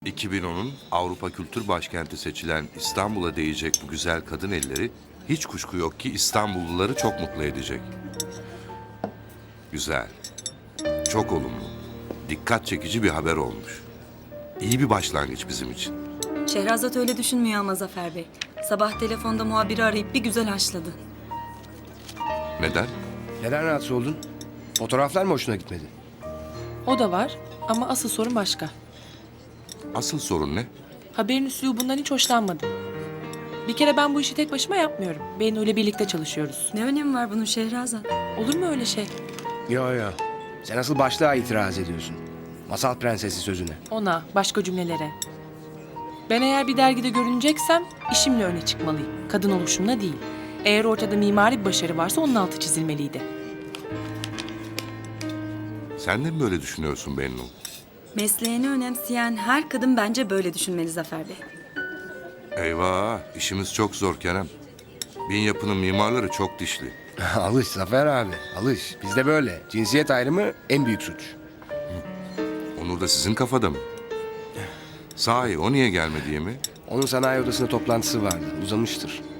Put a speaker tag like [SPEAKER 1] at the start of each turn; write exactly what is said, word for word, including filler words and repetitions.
[SPEAKER 1] iki bin onun Avrupa Kültür Başkenti seçilen İstanbul'a değecek bu güzel kadın elleri hiç kuşku yok ki İstanbulluları çok mutlu edecek. Güzel. Çok olumlu. Dikkat çekici bir haber olmuş. İyi bir başlangıç bizim için.
[SPEAKER 2] Şehrazat öyle düşünmüyor ama Zafer Bey. Sabah telefonda muhabiri arayıp bir güzel haşladı.
[SPEAKER 1] Neden?
[SPEAKER 3] Neden rahatsız oldun? Fotoğraflar mı hoşuna gitmedi?
[SPEAKER 4] O da var ama asıl sorun başka.
[SPEAKER 1] Asıl sorun ne?
[SPEAKER 4] Haberin üslubundan hiç hoşlanmadım. Bir kere ben bu işi tek başıma yapmıyorum. Bennu ile birlikte çalışıyoruz.
[SPEAKER 2] Ne önemi var bunun Şehrazat?
[SPEAKER 4] Olur mu öyle şey?
[SPEAKER 3] Yo yo. Sen asıl başlığa itiraz ediyorsun. Masal prensesi sözüne.
[SPEAKER 4] Ona, başka cümlelere. Ben eğer bir dergide görüneceksem işimle öne çıkmalıyım. Kadın oluşumla değil. Eğer ortada mimari bir başarı varsa onun altı çizilmeliydi.
[SPEAKER 1] Sen de mi böyle düşünüyorsun Bennu?
[SPEAKER 2] Mesleğini önemseyen her kadın bence böyle düşünmeli Zafer Bey.
[SPEAKER 1] Eyvah, işimiz çok zor Kerem. Bin yapının mimarları çok dişli.
[SPEAKER 3] Alış Zafer abi, alış. Bizde böyle. Cinsiyet ayrımı en büyük suç.
[SPEAKER 1] Onur da sizin kafada mı? Sahi o niye gelmedi diye mi?
[SPEAKER 3] Onun sanayi odasında toplantısı vardı. Uzamıştır.